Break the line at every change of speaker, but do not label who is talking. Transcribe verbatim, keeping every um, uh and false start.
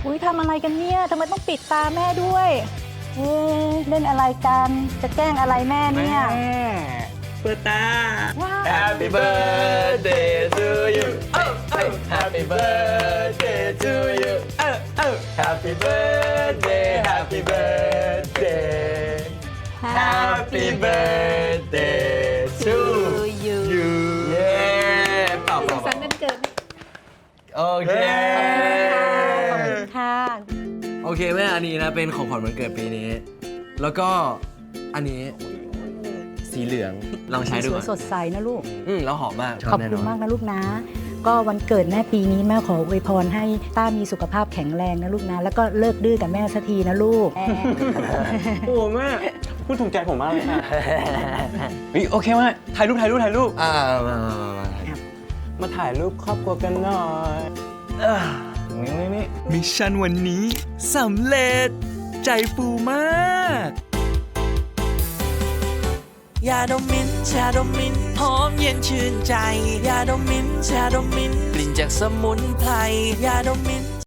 อุ้ยทำอะไรกันเนี่ยทำไมต้องปิดตาแม่ด้วยเอ๊ะเล่นอะไรกันจะแกล้งอะไรแม่เนี่ย
เปิดตา
ว้าว
Happy birthday to you เอ้าเอ้า Happy birthday to you เอ้าเอ้า Happy birthday Happy birthday Happy birthday to
you
you เย้เป่าเป่า
สันวันเกิด
โอเค
ขอบคุณค่ะ
โอเคแม่อันนี้นะเป็นของขวัญวันเกิดปีนี้ แล้วก็อันนี้สีเหลืองลองใช้ดู
ส
ก่
ว
อย น
สดใสนะลูก
อืมแล้วหอมมาก
ขอบคุณมากนะลูกนะ ก็วันเกิดแม่ปีนี้แม่ขออวยพรให้ต้ามีสุขภาพแข็งแรงนะลูกนะ แล้วก็เลิกดื้อกับแม่สักทีนะลูก
โอ้แม่พูดถูกใจผมมากเลยค่ะเฮ้ยโอเคแม่ถ่ายรูปถ่ายรูปถ่ายรูป
อ่ามามามามา
มาถ่ายรูปครอบครัวกันหน่อยเออนี่นี่นี่
มิชชั่นวันนี้สำเร็จ ใจฟูมาก
ยาดมมิ้นท์ชาดมมิ้นท์หอมเย็นชื่นใจ ยาดมมิ้นท์ชาดมมิ้นท์กลิ่นจากสมุนไพร ยาดมมิ้นท์